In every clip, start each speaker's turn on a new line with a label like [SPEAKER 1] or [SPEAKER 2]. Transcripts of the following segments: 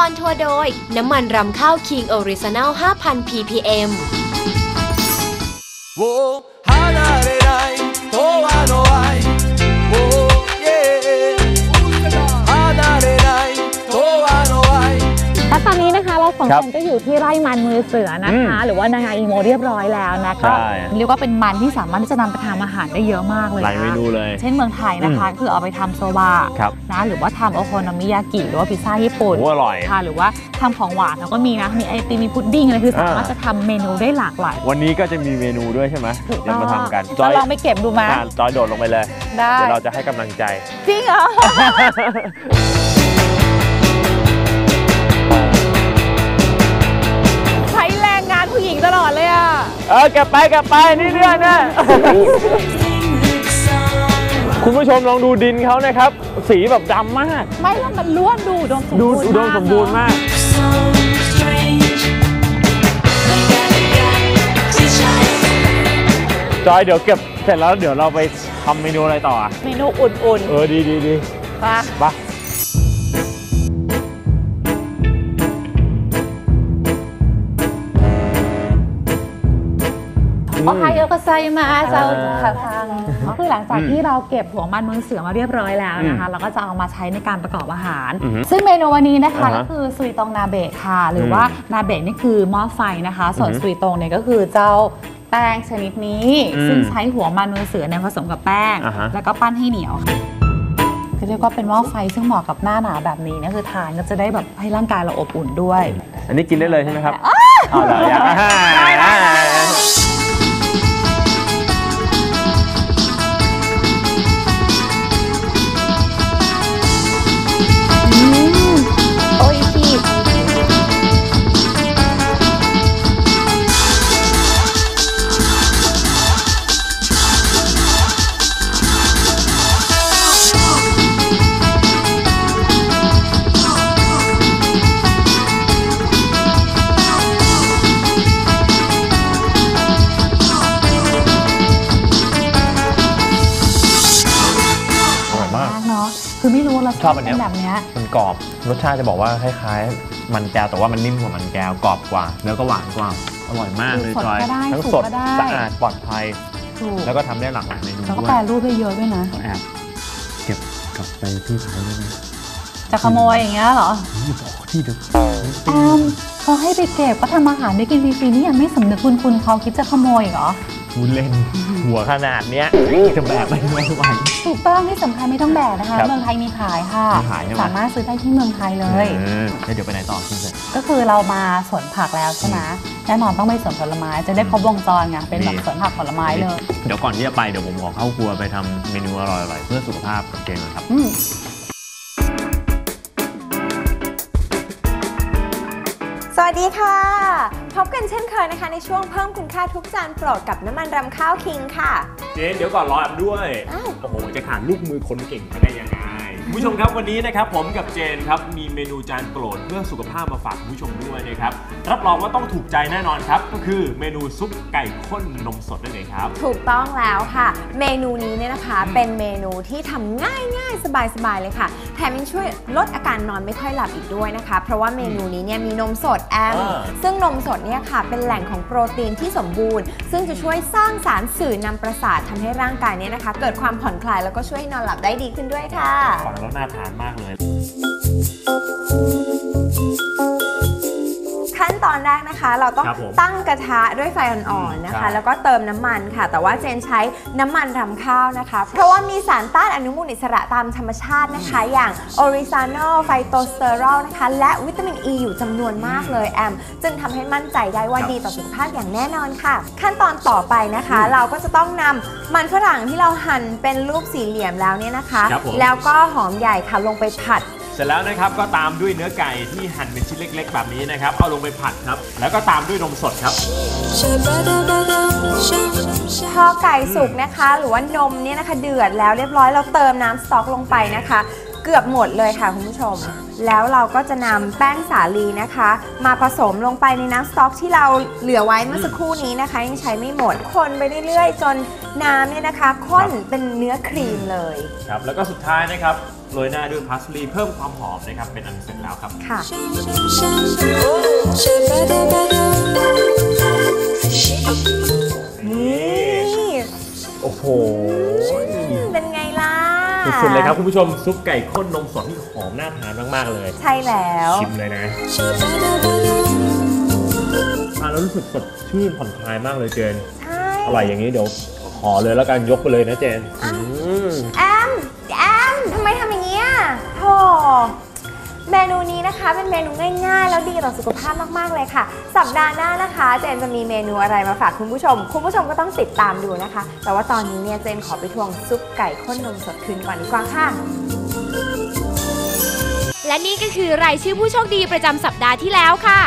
[SPEAKER 1] อนทัวร์โดยน้ำมันรำข้าว King Original 5,000 ppm
[SPEAKER 2] และตอนนี้นะคะเราสองคนก็อยู่ที่ไร่มันมือเสือนะคะหรือว่านางาอีโมเรียบร้อยแล้วนะคะเรียกว่าเป็นมันที่สามารถที่จะนำไปทำอาหารได้เยอะมากเลยหลายเมนูเลยเช่นเมืองไทยนะคะคือเอาไปทำโซบะนะหรือว่าทำโอโคโนมิยากิหรือว่าพิซซ่าญี่ปุ่นอร่อยค่ะหรือว่าทำของหวานแล้วก็มีนะมีไอติมมีพุดดิ้งอะไรคือสามารถจะทำเมนูได้หลากหลายวันนี้ก็จะมีเมนูด้วยใช่ไหมเดี๋ยวมาทำกันจอยลองไปเก็บดูมาจอยโดดลงไปเลยได้เดี๋ยวเราจะให้กำลังใจจริงเหรอผู้หญิงตลอดเลยอ่ะกลับไปนี่เรื่องนะคุณผู้ชมลองดูดินเขานะครับสีแบบดำมากไม่แล้วมันล้วนดูอุดมสมบูรณ์มากจอยเดี๋ยวเก็บเสร็จแล้วเดี๋ยวเราไปทำเมนูอะไรต่อเมนูอุ่นๆดีไปโอไฮโอก็ไซมาเจ้าทางคือหลังจากที่เราเก็บหัวมันมือเสือมาเรียบร้อยแล้วนะคะเราก็จะเอามาใช้ในการประกอบอาหารซึ่งเมนูวันนี้นะคะก็คือซุยตงนาเบะค่ะหรือว่านาเบะนี่คือหม้อไฟนะคะส่วนซุยตงเนี่ยก็คือเจ้าแป้งชนิดนี้ซึ่งใช้หัวมันมือเสือเนี่ยผสมกับแป้งแล้วก็ปั้นให้เหนียวก็เรียกว่าเป็นหม้อไฟซึ่งเหมาะกับหน้าหนาวแบบนี้นะคือทานก็จะได้แบบให้ร่างกายเราอบอุ่นด้วยอันนี้กินได้เลยใช่ไหมครับอ๋อเหรออยากได้คือไม่รู้รสชาติเป็นแบบนี้มันกรอบรสชาติจะบอกว่าคล้ายๆมันแก้วแต่ว่ามันนิ่มกว่ามันแก้วกรอบกว่าเนื้อก็หวานกว่าอร่อยมากเลยจอยทั้งสดสะอาดปลอดภัยแล้วก็ทำได้หลากหลายเมนูด้วยแล้วก็แปรรูปได้เยอะด้วยนะแอบเก็บกลับไปที่ไทยได้ไหมจะขโมยอย่างเงี้ยเหรอที่ดึกเขาให้ไปเก็บก็ทำอาหารได้กินฟรีๆนี่ยังไม่สำนึกคุณเขาคิดจะขโมยเหรอคุณเล่นหัวขนาดเนี้ยจะแบกไม่ไหวถูกต้องที่สำคัญไม่ต้องแบกนะคะเมืองไทยมีขายค่ะสามารถซื้อได้ที่เมืองไทยเลยเดี๋ยวไปไหนต่อคุณเสร็จก็คือเรามาสวนผักแล้วใช่ไหมแน่นอนต้องไปสวนผลไม้จะได้ครบวงจรไงเป็นแบบสวนผักผลไม้เลยเดี๋ยวก่อนที่จะไปเดี๋ยวผมขอเข้าครัวไปทำเมนูอร่อยๆเพื่อสุขภาพกับเจนนะครับ
[SPEAKER 3] สวัสดีค่ะพบกันเช่นเคยนะคะในช่วงเพิ่มคุณค่าทุกจานโปรดกับน้ำมันรำข้าวคิงค่ะ
[SPEAKER 4] เจนเดี๋ยวก่อนรอแอมด้วยโอ้โหจะขาดลูกมือคนเก่งได้ยังไงคุณผู้ชมครับวันนี้นะครับผมกับเจนครับมีเมนูจานโปรดเพื่อสุขภาพมาฝากคุณผู้ชมด้วยนะครับรับรองว่าต้องถูกใจแน่นอนครับก็คือเมนูซุปไก่ข้นนมสดนั่นเองครับ
[SPEAKER 3] ถูกต้องแล้วค่ะเมนูนี้เนี่ยนะคะเป็นเมนูที่ทำง่ายๆสบายๆเลยค่ะแถมยังช่วยลดอาการนอนไม่ค่อยหลับอีกด้วยนะคะเพราะว่าเมนูนี้เนี่ยมีนมสดซึ่งนมสดเนี่ยค่ะเป็นแหล่งของโปรตีนที่สมบูรณ์ซึ่งจะช่วยสร้างสารสื่อนำประสาททำให้ร่างกายเนี่ยนะคะเกิดความผ่อนคลายแล้วก็ช่วยนอนหลับได้ดีขึ้นด้วยค่ะ
[SPEAKER 4] ฟังแล้วน่าทานมากเลย
[SPEAKER 3] ขั้นตอนแรกนะคะเราต้องตั้งกระทะด้วยไฟอ่อนๆนะคะแล้วก็เติมน้ำมันค่ะแต่ว่าเจนใช้น้ำมันรำข้าวนะคะเพราะว่ามีสารต้านอนุมูลอิสระตามธรรมชาตินะคะอย่างออริซานอลไฟโตสเตอรอลนะคะและวิตามินอ e อยู่จำนวนมากเลยแอมจึงทำให้มั่นใจได้ว่าดีต่อสุขภาพอย่างแน่นอนค่ะขั้นตอนต่อไปนะคะเราก็จะต้องนำมันฝรั่งที่เราหั่นเป็นรูปสี่เหลี่ยมแล้วเนี่ยนะคะแล้วก็หอมใหญ่ค่ะลงไปผัด
[SPEAKER 4] เสร็จแล้วนะครับก็ตามด้วยเนื้อไก่ที่หั่นเป็นชิ้นเล็กๆแบบนี้นะครับเอาลงไปผัดครับแล้วก็ตามด้วยนมสดครับ
[SPEAKER 3] พอไก่สุกนะคะหรือว่านมเนี่ยนะคะเดือดแล้วเรียบร้อยเราเติมน้ำสต๊อกลงไปนะคะเกือบหมดเลยค่ะคุณผู้ชมแล้วเราก็จะนำแป้งสาลีนะคะมาผสมลงไปในน้ำสต๊อกที่เราเหลือไว้เมื่อสักครู่นี้นะคะยังใช้ไม่หมดคนไปเรื่อยๆจนน้ำเนี่ยนะคะข้นเป็นเนื้อครีมเลย
[SPEAKER 4] ครับแล้วก็สุดท้ายนะครับโรยหน้าด้วยพาสลีย์เพิ่มความหอมนะครับเป็นอันเสร็จแล้วครับ
[SPEAKER 3] ค่ะนี่
[SPEAKER 4] โอ้โห
[SPEAKER 3] เป็นไงล่ะ
[SPEAKER 4] สุดๆเลยครับคุณผู้ชมซุปไก่ข้นนมสดที่หอมน่าทานมากๆเลย
[SPEAKER 3] ใช่แล้ว
[SPEAKER 4] ชิมเลยนะแล้วรู้สึกสดชื่นผ่อนคลายมากเลยเจนอร่อยอย่างนี้เดี๋ยวขอเลยแล้วกันยกไปเลยนะเจน
[SPEAKER 3] แอมทำไมทำอย่างนี้โธ่เมนูนี้นะคะเป็นเมนูง่ายๆแล้วดีต่อสุขภาพมากๆเลยค่ะสัปดาห์หน้านะคะเจนจะมีเมนูอะไรมาฝากคุณผู้ชมก็ต้องติดตามดูนะคะแต่ว่าตอนนี้เนี่ยเจนขอไปทวงซุปไก่ข้นนมสดคืนก่อนดีกว่าค่ะ
[SPEAKER 1] และนี่ก็คือรายชื่อผู้โชคดีประจำสัปดาห์ที่แล้วค่ะ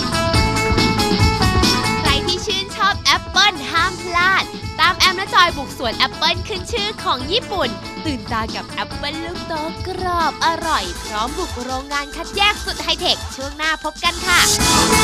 [SPEAKER 1] ใครที่ชื่นชอบแอปเปิ้ลห้ามพลาดตามแอมและจอยบุกสวนแอปเปิ้ลขึ้นชื่อของญี่ปุ่นตื่นตากับแอปเปิ้ลลูกโตกรอบอร่อยพร้อมบุกโรงงานคัดแยกสุดไฮเทคช่วงหน้าพบกันค่ะ